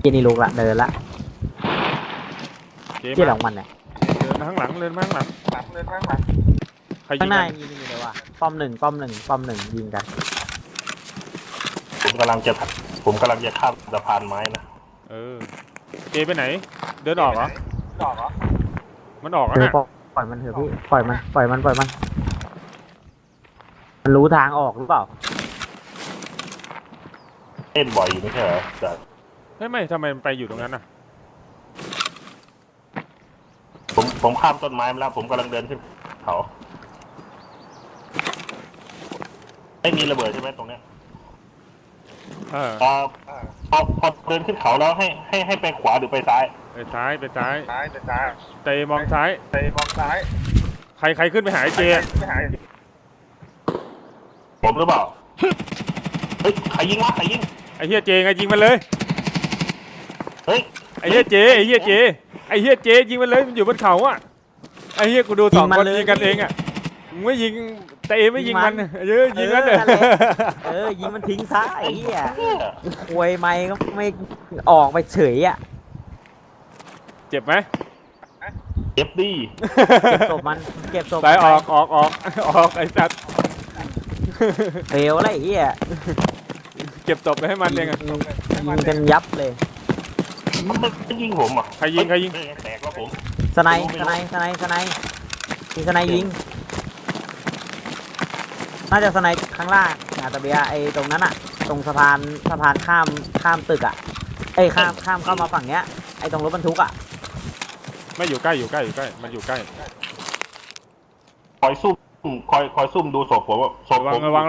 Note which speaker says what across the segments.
Speaker 1: กินนี่ลูกละเดินละที่หลังมันเนี่ย
Speaker 2: เดินมาข้างหลังเดินมาข้างหลังเดินมาข้างหลังใครยิ
Speaker 1: ข้าง งหน้า
Speaker 2: กัน
Speaker 1: ยิงอยู่เลยว่ะป้อมหนึ่งยิงกัน
Speaker 3: ผมกำลังจะข้ามสะพานไม้นะ
Speaker 2: เจไปไหนเดินออกเหรอมันออกแล้ว
Speaker 1: เออ
Speaker 2: นะ
Speaker 1: ปล่อยมันเถอะพี่ปล่อยมันมันรู้ทางออกหรือเปล่า
Speaker 3: เล่นบ่อยอยู่ไม่ใช่เหรอแต่
Speaker 2: ไม่ทำไมมันไปอยู่ตรงนั้นน่ะ
Speaker 3: ผมข้ามต้นไม้มาแล้วผมกำลังเดินขึ้นเขาไม่มีระเบิดใช่ไหมตรงเนี้ยพอเดินขึ้นเขาแล้วให้ไปขวาหรือไปซ้าย
Speaker 2: ไปซ้ายเตมองซ้ายใครขึ้นไปหาไอ้เจ
Speaker 3: ผมหรือเปล่าเฮ้ยใครยิงวะใครยิง
Speaker 2: ไอ้เฮียเจไงยิงมันเลย
Speaker 3: เฮ้ย
Speaker 2: ไอ้เฮียเจยิงมันเลยมันอยู่บนเขาอ่ะไอ้เฮียกูดูสองคนยิงกันเองอ่ะมึงไม่ยิงแต่เอไม่ยิงมันยิงมันเลย
Speaker 1: ยิงมันทิ้งซะไอ้เหี้ยควยไม่ก็ไม่ออกไปเฉยอ่ะ
Speaker 2: เจ็บไหม
Speaker 3: เอฟดี
Speaker 1: เก็บศพมันเก็บศพ
Speaker 2: ไปออกไอ้สัตว์
Speaker 1: เฟลอะไรไอ้เหี้ย
Speaker 2: เก็บศพไปให้มันเองอ่ะ
Speaker 1: ยิงกันยับเลย
Speaker 3: มันยิงผมอ่ะ
Speaker 2: ใครยิง
Speaker 3: แตกแล้วผม
Speaker 1: สไนมีสไนยิงน่าจะสไนข้างล่างอาตาเบียไอ้ตรงนั้นอ่ะตรงสะพานข้ามตึกอ่ะไอ้ข้ามเข้ามาฝั่งเนี้ยไอ้ตรงรถบรรทุกอ่ะ
Speaker 2: ไม่อยู่ใกล้มันอยู่ใกล้
Speaker 3: คอยซุ่มดูศพผมศพผม
Speaker 2: ระวัง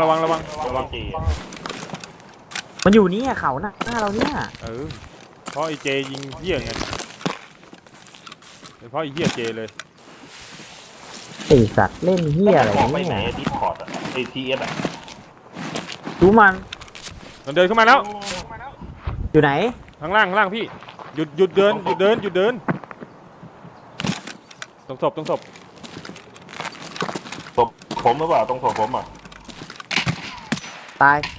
Speaker 1: มันอยู่นี่เขาหน้าเราเนี่ย
Speaker 2: เพราะไอ้เจยิงเหี้ยไงเพราะไอ้เหี้ยเจเลย
Speaker 1: ไอสัตว์เล่นเหี้ยอะไร
Speaker 3: บอกไปไหน
Speaker 1: เนี่ย
Speaker 3: ดิสคอร์ดอ่ะไอทีเอสอ่ะ
Speaker 1: ดูมัน
Speaker 2: มันเดินขึ้นมาแล้ว
Speaker 1: อยู่ไหน
Speaker 2: ข้างล่างพี่หยุดเดินตรงศพ
Speaker 3: ศพผมหรือเปล่าตรงศพผมอ่ะ
Speaker 1: ตาย